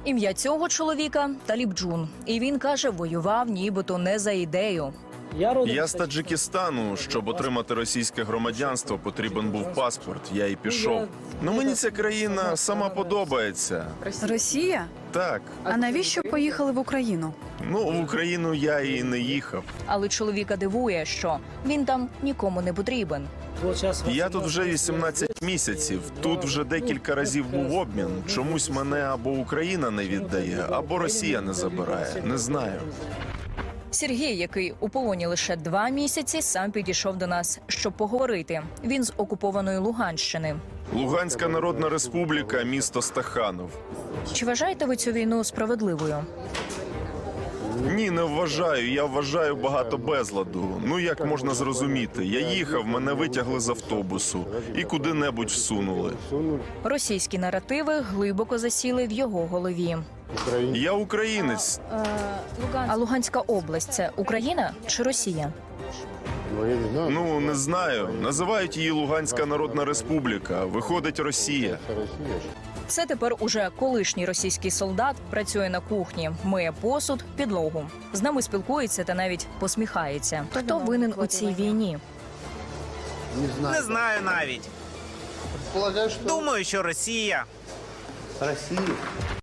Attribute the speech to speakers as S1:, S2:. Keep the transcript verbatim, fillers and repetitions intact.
S1: Ім'я цього чоловіка – Таліб Джун. І він каже, воював нібито не за ідею.
S2: Я з Таджикистану. Щоб отримати російське громадянство, потрібен був паспорт. Я і пішов. Ну мені ця країна сама подобається.
S3: Росія?
S2: Так.
S3: А навіщо поїхали в Україну?
S2: Ну, в Україну я і не їхав.
S1: Але чоловіка дивує, що він там нікому не потрібен.
S2: Я тут вже вісімнадцять місяців. Тут вже декілька разів був обмін. Чомусь мене або Україна не віддає, або Росія не забирає. Не знаю.
S1: Сергій, який у полоні лише два місяці, сам підійшов до нас, щоб поговорити. Він з окупованої Луганщини.
S2: Луганська Народна Республіка, місто Стаханов.
S1: Чи вважаєте ви цю війну справедливою?
S2: Ні, не вважаю. Я вважаю багато безладу. Ну як можна зрозуміти? Я їхав, мене витягли з автобусу і куди-небудь всунули.
S1: Російські наративи глибоко засіли в його голові.
S2: Я українець.
S1: А Луганська область – це Україна чи Росія?
S2: Ну, не знаю. Називають її Луганська Народна Республіка. Виходить, Росія.
S1: Це тепер уже колишній російський солдат працює на кухні, миє посуд, підлогу. З нами спілкується та навіть посміхається. Хто винен у цій війні?
S4: Не знаю навіть. Думаю, що Росія.